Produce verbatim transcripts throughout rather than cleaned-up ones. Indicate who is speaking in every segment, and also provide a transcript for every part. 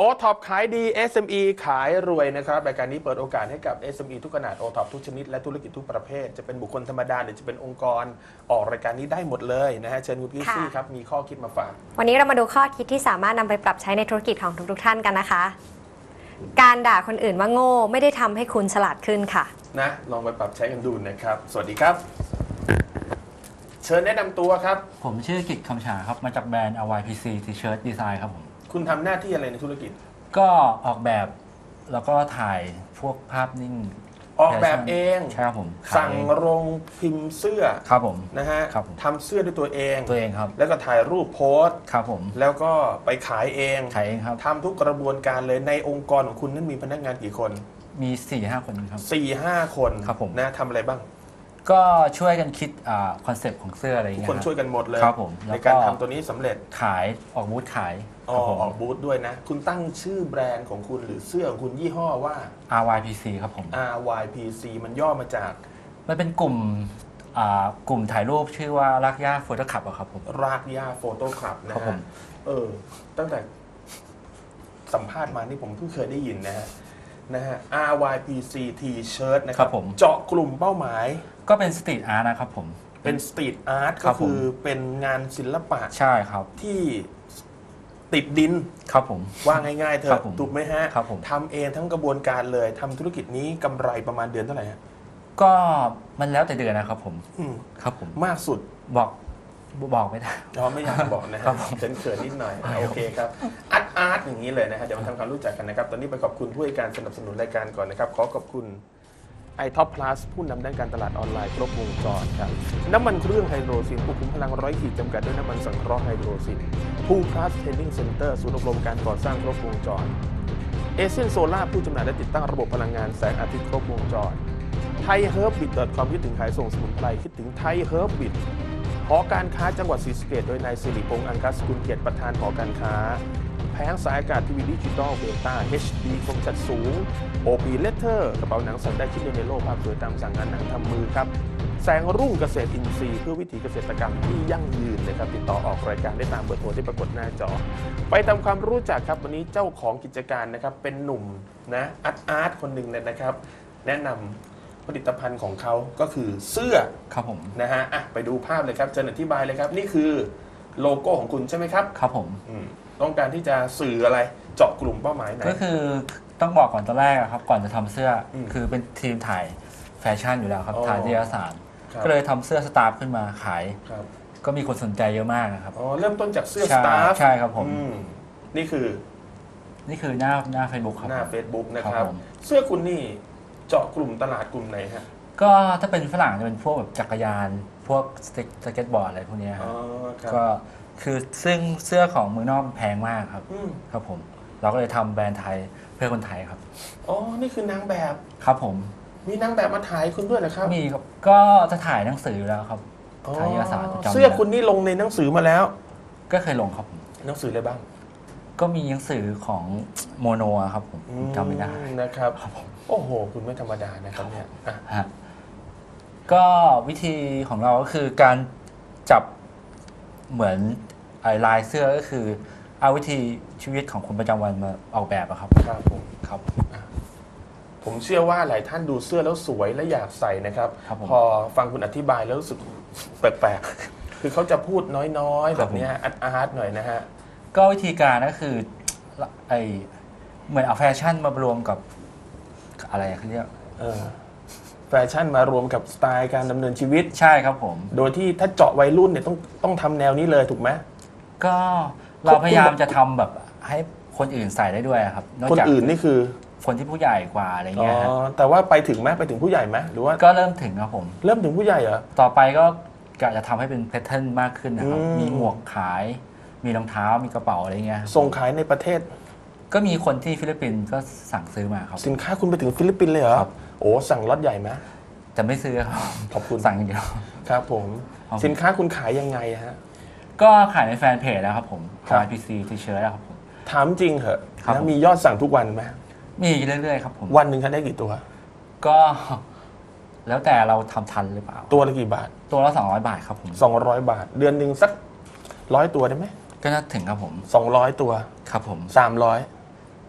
Speaker 1: ท็อปขายดี เอส เอ็ม อี ขายรวยนะครับรายการนี้เปิดโอกาสให้กับ เอส เอ็ม อี ทุกขนาด โอ ท็อป ทุกชนิดและธุรกิจทุกประเภทจะเป็นบุคคลธรรมดาหรือจะเป็นองค์กรออกรายการนี้ได้หมดเลยนะฮะเชิญคุณพี่ซี่ครับมีข้อคิดมาฝาก
Speaker 2: วันนี้เรามาดูข้อคิดที่สามารถนำไปปรับใช้ในธุรกิจของทุกๆท่านกันนะคะการด่าคนอื่นว่าโง่ไม่ได้ทำให้คุณฉลาดขึ้นค่ะ
Speaker 1: นะลองไปปรับใช้กันดูนะครับสวัสดีครับเชิญแนะนำตัวครับ
Speaker 3: ผมชื่อกิตคำฉาครับมาจากแบรนด์ อาร์ วาย พี ซี T-shirt Design ครับผม
Speaker 1: คุณทำหน้าที่อะไรในธุรกิจ
Speaker 3: ก็ออกแบบแล้วก็ถ่ายพวกภาพนิ่ง
Speaker 1: ออกแบบเอง
Speaker 3: ใช่ครับผม
Speaker 1: สั่งโรงพิมพ์เสื้อ
Speaker 3: ครับผม
Speaker 1: นะฮะทำเสื้อด้วยตัวเอง
Speaker 3: ตัวเองครับ
Speaker 1: แล้วก็ถ่ายรูปโพส
Speaker 3: ครับผม
Speaker 1: แล้วก็ไปขายเอง
Speaker 3: ขายเองครับ
Speaker 1: ทำทุกกระบวนการเลยในองค์กรของคุณนั้นมีพนักงานกี่คน
Speaker 3: มี สี่ห้า คนครับ
Speaker 1: สี่ห้า คน
Speaker 3: ครับผม
Speaker 1: นะทำอะไรบ้าง
Speaker 3: ก็ช่วยกันคิดคอนเซปต์ของเสื้ออะไรอย่างเงี้ย
Speaker 1: ทุกคนช่วยกันหมดเลย
Speaker 3: ครับผม
Speaker 1: ในการทำตัวนี้สำเร็จ
Speaker 3: ขายออกบูธขาย
Speaker 1: ออกบูธด้วยนะคุณตั้งชื่อแบรนด์ของคุณหรือเสื้อของคุณยี่ห้อว่า
Speaker 3: อาร์ วาย พี ซี ครับผม
Speaker 1: อาร์ วาย พี ซี มันย่อมาจาก
Speaker 3: มันเป็นกลุ่มกลุ่มถ่ายรูปชื่อว่ารากหญ้าโฟโต้คลับครับผม
Speaker 1: รากหญ้าโฟโต้คลับนะฮะเออตั้งแต่สัมภาษณ์มานี่ผมเพิ่งเคยได้ยินนะฮะนะฮะ อาร์ วาย พี ซี T-shirt นะครับเจาะกลุ่มเป้าหมาย
Speaker 3: ก็เป็นสตรีทอาร์ตนะครับผม
Speaker 1: เป็นสตรีทอาร์ตก็คือเป็นงานศิลปะ
Speaker 3: ใช่ครับ
Speaker 1: ที่ติดดิน
Speaker 3: ครับผม
Speaker 1: ว่าง่ายๆเธอถูกไหมฮะ
Speaker 3: ครับผม
Speaker 1: ทำเองทั้งกระบวนการเลยทำธุรกิจนี้กำไรประมาณเดือนเท่าไหร่ฮะ
Speaker 3: ก็มันแล้วแต่เดือนนะครับผมครับผม
Speaker 1: มากสุด
Speaker 3: บอกบอกไม่ได้
Speaker 1: เราไม่อยากบอกนะครับเขินเขินนิดหน่อยโอเคครับอาร์ตอาร์ตอย่างนี้เลยนะฮะเดี๋ยวมาทำความรู้จักกันนะครับตอนนี้ไปขอบคุณผู้ให้การสนับสนุนรายการก่อนนะครับขอขอบคุณไอท็อปพลัสผู้นำด้านการตลาดออนไลน์ครบวงจรครับน้ำมันเครื่องไฮโดรซินควบคุมพลังร้อยขีดจำกัดด้วยน้ำมันสังเคราะห์ไฮโดรซินพูพลัสเทรนนิ่งเซ็นเตอร์ศูนย์อบรมการก่อสร้างครบวงจรเอเชียนโซล่าผู้จำหน่ายและติดตั้งระบบพลังงานแสงอาทิตย์ครบวงจรไทยเฮิร์บบิทเติร์ดความคิดถึงขายส่งสมุนไพรคิดถึงไทยเฮิร์บบิทหอการค้าจังหวัดศรีสะเกษโดยนายสิริพงษ์อังคัสกุลเกียรติประธานหอการค้าแผงสายอากาศทีวีดิจิตอลเบต้า เอช ดี คมชัดสูง โอ พี Letter กระเป๋าหนังสั่งได้ชิ้นเดียวในโลกภาพสวยตามสั่งงานหนังทำมือครับแสงรุ่งเกษตรอินทรีย์เพื่อวิถีเกษตรกรรมที่ยั่งยืนนะครับติดต่อออกรายการได้ตามเบอร์โทรที่ปรากฏหน้าจอไปทำความรู้จักครับวันนี้เจ้าของกิจการนะครับเป็นหนุ่มนะอาร์ตอาร์ตคนหนึ่งเลยนะครับแนะนำผลิตภัณฑ์ของเขาก็คือเสื้อ
Speaker 3: ครับผม
Speaker 1: นะฮะอ่ะไปดูภาพเลยครับเชิญอธิบายเลยครับนี่คือโลโก้ของคุณใช่ไหมครับ
Speaker 3: ครับผม
Speaker 1: ต้องการที่จะสื่ออะไรเจาะกลุ่มเป้าหมายไหน
Speaker 3: ก็คือต้องบอกก่อนตอนแรกครับก่อนจะทำเสื้อคือเป็นทีมถ่ายแฟชั่นอยู่แล้วครับถ่ายนิตยสารก็เลยทำเสื้อสตาฟขึ้นมาขายก็มีคนสนใจเยอะมากนะครับ
Speaker 1: อ๋อเริ่มต้นจากเสื้อสตาฟ
Speaker 3: ใช่ครับผม
Speaker 1: นี่คือ
Speaker 3: นี่คือหน้าหน้า Facebook ครับ
Speaker 1: หน้า Facebook นะครับเสื้อคุณนี่เจาะกลุ่มตลาดกลุ่มไหนฮะ
Speaker 3: ก็ถ้าเป็นฝรั่งจะเป็นพวกแบบจักรยานพวกสเก็ตบอร์ดอะไรพวกนี้ครับก็คือซึ่งเสื้อของเมืองนอกแพงมากครับครับผมเราก็เลยทำแบรนด์ไทยเพื่อคนไทยครับ
Speaker 1: อ๋อนี่คือนางแบบ
Speaker 3: ครับผม
Speaker 1: มีนางแบบมาถ่ายคุณด้วยเหรอครับ
Speaker 3: มีครับก็จะถ่ายหนังสือแล้วครับถ่ายเอกสาร
Speaker 1: เสื้อคุณนี่ลงในหนังสือมาแล้ว
Speaker 3: ก็เคยลงครับ
Speaker 1: หนังสืออะไรบ้าง
Speaker 3: ก็มีหนังสือของโมโนครับผมจำไม่ได้
Speaker 1: นะครับโอ้โหคุณไม่ธรรมดานะครับเนี่ย
Speaker 3: ก็วิธีของเราก็คือการจับเหมือนลายเสื้อก็คือเอาวิธีชีวิตของคนประจำวันมาออกแบบครับ
Speaker 1: ครับผม
Speaker 3: ครับ
Speaker 1: ผมเชื่อว่าหลายท่านดูเสื้อแล้วสวยและอยากใส่นะครับพอฟังคุณอธิบายแล้วรู้สึกแปลกๆคือเขาจะพูดน้อยๆแบบนี้อาร์ตอาร์ตหน่อยนะฮะ
Speaker 3: ก็วิธีการก็คือไอเหมือนเอาแฟชั่นมารวมกับอะไรเขาเรียก
Speaker 1: แฟชั่นมารวมกับสไตล์การดำเนินชีวิต
Speaker 3: ใช่ครับผม
Speaker 1: โดยที่ถ้าเจาะวัยรุ่นเนี่ยต้องต้องทำแนวนี้เลยถูกไหม
Speaker 3: ก็เราพยายามจะทำแบบให้คนอื่นใส่ได้ด้วยครับ
Speaker 1: คนอื่นนี่คือ
Speaker 3: คนที่ผู้ใหญ่กว่าอะไรเงี้ย
Speaker 1: อ๋อแต่ว่าไปถึงไหมไปถึงผู้ใหญ่ไหมหรือว่า
Speaker 3: ก็เริ่มถึงครับผม
Speaker 1: เริ่มถึงผู้ใหญ่เหรอ
Speaker 3: ต่อไปก็กะจะทำให้เป็นแพทเทิร์นมากขึ้นนะครับมีหมวกขายมีรองเท้ามีกระเป๋าอะไรเงี้ย
Speaker 1: ส่งขายในประเทศ
Speaker 3: ก็มีคนที่ฟิลิปปินส์ก็สั่งซื้อมาครับ
Speaker 1: สินค้าคุณไปถึงฟิลิปปินส์เลยเหรอโอ้สั่งล็อตใหญ่ไหม
Speaker 3: แต่ไม่ซื้อครับ
Speaker 1: ขอบคุณ
Speaker 3: สั่งอย่างเดียว
Speaker 1: ครับผมสินค้าคุณขายยังไงฮะ
Speaker 3: ก็ขายในแฟนเพจแล้วครับผม อาร์ วาย พี ซี T-shirt แล้วครับผม
Speaker 1: ถามจริงเหรอแล้วมียอดสั่งทุกวันไหม
Speaker 3: มีเรื่อยๆครับผม
Speaker 1: วันหนึ่งท่านได้กี่ตัว
Speaker 3: ก็แล้วแต่เราทำทันหรือเปล่า
Speaker 1: ตัวละกี่บาท
Speaker 3: ตัวละสองร้อยบาทครับผม
Speaker 1: สองร้อยบาทเดือนหนึ่งสักร้อยตัวได้ไหม
Speaker 3: ก็น่าถึงครับผม
Speaker 1: สองร้อยตัว
Speaker 3: ครับผม
Speaker 1: สามร้อย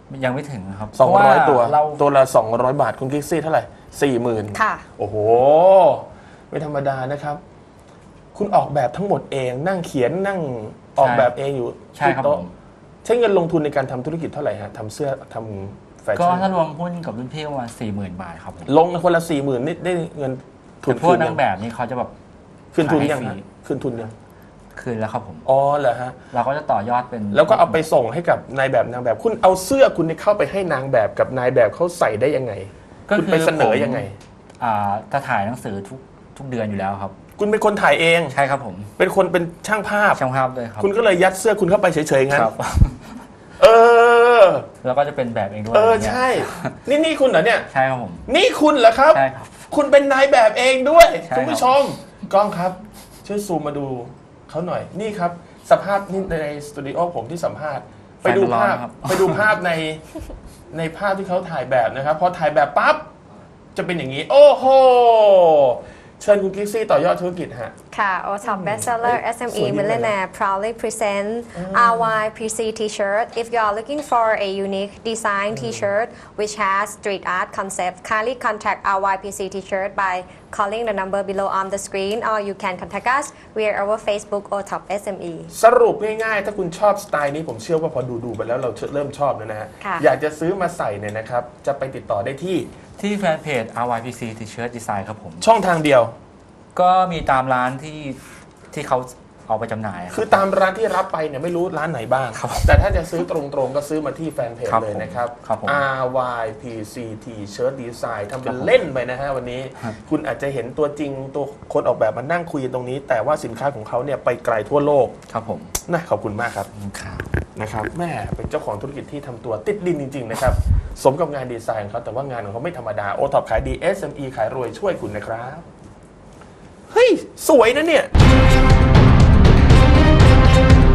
Speaker 3: ยังไม่ถึงครับ
Speaker 1: สองร้อย
Speaker 3: เพาะา
Speaker 1: ตัว
Speaker 3: เรา
Speaker 1: ตัวละสองร้อยบาทคุณกิ๊กซี่เท่าไหร่สี่หมื่น
Speaker 2: ค่ะ
Speaker 1: โอ้โห ไม่ธรรมดานะครับ คุณออกแบบทั้งหมดเองนั่งเขียนนั่งออกแบบเองอยู่
Speaker 3: ใช่ครับ
Speaker 1: ที่โต๊ะ
Speaker 3: ผม
Speaker 1: ใช้เงินลงทุนในการทำธุรกิจเท่าไหร่ฮะทำเสื้อทำแฟ
Speaker 3: ก็
Speaker 1: ชั่น
Speaker 3: ถ้ารวมหุ้นกับรุ่นพี่ประมาณสี่หมื่นบาทครับผม
Speaker 1: ลงคนละสี่หมื่นนี่ได้เงินทุน
Speaker 3: แต่พวก
Speaker 1: คืน
Speaker 3: นา
Speaker 1: ยัง ง
Speaker 3: แบบนี้เขาจะแบบ
Speaker 1: คืนทุน
Speaker 3: ขาย
Speaker 1: ยัง
Speaker 3: ฟรี
Speaker 1: ฮะคืนทุนยัง
Speaker 3: คืนแล้วครับผม
Speaker 1: อ๋อเหรอฮะ
Speaker 3: เราก็จะต่อยอดเป็น
Speaker 1: แล้วก็เอาไปส่งให้กับนายแบบนางแบบ คุณเอาเสื้อคุณนี่เข้าไปให้นางแบบกับนายแบบเขาใส่ได้ยังไง
Speaker 3: ก็
Speaker 1: คุณ
Speaker 3: คือ
Speaker 1: ไปเสนอ
Speaker 3: ผม
Speaker 1: ยังไง
Speaker 3: อ่าจะถ่ายหนังสือทุกทุกเดือนอยู่แล้วครับ
Speaker 1: คุณเป็นคนถ่ายเอง
Speaker 3: ใช่ครับผม
Speaker 1: เป็นคนเป็นช่างภาพ
Speaker 3: ช่างภาพด้วยครับ
Speaker 1: คุณก็เลยยัดเสื้อคุณเข้าไปเฉยๆงั้น
Speaker 3: ครับ
Speaker 1: เออ
Speaker 3: แล้วก็จะเป็นแบบเองด้วย
Speaker 1: เออ
Speaker 3: อย่างเงี้ย
Speaker 1: ใช่ นี่นี่คุณเหรอเนี่ย
Speaker 3: ใช่ครับผม
Speaker 1: นี่คุณเหรอครับ
Speaker 3: ใช่ครับ
Speaker 1: คุณเป็นนายแบบเองด้วย
Speaker 3: ใช่ครับ
Speaker 1: คุณผู้ชมกล้องครับ ช่วยซูมมาดูเขาหน่อย นี่ครับ สภาพนี่ในสตูดิโอผมที่สัมภาษณ์ ไปดูภาพ ไปดูภาพในในภาพที่เขาถ่ายแบบนะครับ พอถ่ายแบบปั๊บ จะเป็นอย่างนี้ โอ้โห เชิญคุณกิ๊กซี่ต่อยอดธุรกิจฮะ
Speaker 2: ค่ะ โอ ท็อป Bestseller
Speaker 1: เอ้ย
Speaker 2: เอส เอ็ม อี
Speaker 1: สวยดีเลยนะ
Speaker 2: Millionaire proudly present อาร์ วาย พี ซี T-shirt. If you are looking for a unique design T-shirt which has street art concept, kindly contact อาร์ วาย พี ซี T-shirt by calling the number below on the screen, or you can contact us via our Facebook โอ ท็อป เอส เอ็ม อี
Speaker 1: สรุปง่ายๆ ถ้าคุณชอบสไตล์นี้ผมเชื่อว่าพอดูดูๆไปแล้วเราเริ่มชอบแล้วนะฮะ
Speaker 2: ค่ะ
Speaker 1: อยากจะซื้อมาใส่เนี่ยนะครับ จะไปติดต่อได้ที่
Speaker 3: ที่แฟนเพจ อาร์ วาย พี ซี T-shirt Design ครับผม
Speaker 1: ช่องทางเดียว
Speaker 3: ก็มีตามร้านที่ที่เขาเอาไปจำหน่ายรับ
Speaker 1: คือตามร้านที่รับไปเนี่ยไม่รู้ร้านไหนบ้าง
Speaker 3: ครับ
Speaker 1: แต่ถ้าจะซื้อตรงๆ ก็ซื้อมาที่แฟนเพจ
Speaker 3: ครับ
Speaker 1: เลยนะครับ
Speaker 3: ครับผม
Speaker 1: อาร์ วาย พี ซี T-shirt Design ทำเป็นเล่นไปนะฮะวันนี้
Speaker 3: ครับ
Speaker 1: คุณอาจจะเห็นตัวจริงตัวคนออกแบบมานั่งคุยกันตรงนี้ แต่ว่าสินค้าของเขาเนี่ยไปไกลทั่วโลก
Speaker 3: ครับผม
Speaker 1: นะขอบคุณมากครับ
Speaker 3: ครับ
Speaker 1: นะครับแม่เป็นเจ้าของธุรกิจที่ทำตัวติดดินจริงๆนะครับ สมกับงานดีไซน์ของเขาแต่ว่างานของเขาไม่ธรรมดาโอท็อปขายดี เอส เอ็ม อี ขายรวยช่วยคุณนะครับ เฮ้ย สวยนะเนี่ย